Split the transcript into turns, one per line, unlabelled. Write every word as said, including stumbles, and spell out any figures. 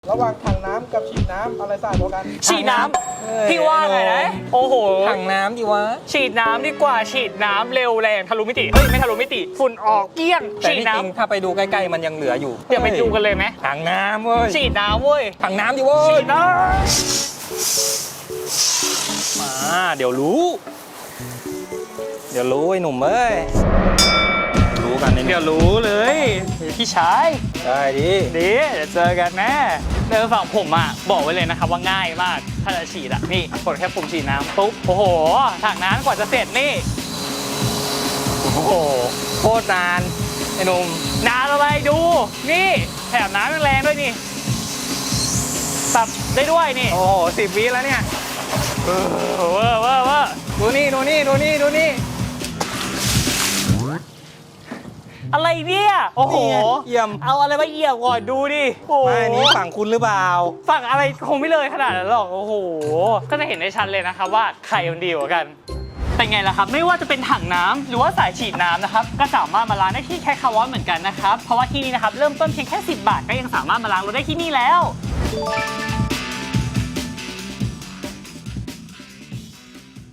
ระหว่างถังน้ำกับฉีดน้ำอะไรสะอาดกว่ากัน
ฉีดน้ำพี่ว่าไงนะโอ้โห
ถังน้ำดีวะ
ฉีดน้ำดีกว่าฉีดน้ำเร็วแรงทะลุมิติเฮ้ยไม่ทะลุมิติฝุ่นออกเกลี้ยง
แต่
ฉีด
ที่จริง
น้ำ
ถ้าไปดูใกล้ๆมันยังเหลืออยู่
เดี๋ยวไปดูกันเลยไหม
ถังน้ำเว้ย
ฉีดน้ำเว้ย
ถังน้ำดิเว้ย
ฉีดน้
ำมาเดี๋ยวรู้ เดี๋ยวรู้ไอ้หนุ่มเอ้ยรู้กันเดี๋ยวรู้เลย
พี่ชาย
ได้ดิ
ดีเดี๋ยวเจอกันแน่เดินฝั่งผมอ่ะบอกไว้เลยนะครับว่าง่ายมากถ้าจะฉีดอ่ะนี่กดแค่ปุ่มฉีดน้ำปุ๊บโอ้โหถังน้ำกว่าจะเสร็จนี่
โอ้โหโคตรนานไอ้หนุ่ม
นานอะไรดูนี่แถมน้ำแรงด้วยนี่ปรับได้ด้วยนี่
โอ้โหสิบวิแล้วเนี่ย
เออเวอร์เวอร์เวอร์
ดูนี่ดูนี่ดูนี่ดูนี่
อะไรเนี่ยโอ้โห
เยี่ยม
เอาอะไรมาเยี่ยมก่อนดูดิโอ้โห
ไม่นี่ฝั่งคุณหรือเปล่า
ฝั่งอะไรคงไม่เลยขนาดนั้นหรอกโอ้โหก็จะเห็นได้ชัดเลยนะครับว่าใครมันดีกว่ากันเป็นไงล่ะครับไม่ว่าจะเป็นถังน้ำหรือว่าสายฉีดน้ำนะครับก็สามารถมาล้างได้ที่แคคาวอนเหมือนกันนะครับเพราะว่าที่นี่นะครับเริ่มต้นเพียงแค่สิบบาทก็ยังสามารถมาล้างรถได้ที่นี่แล้ว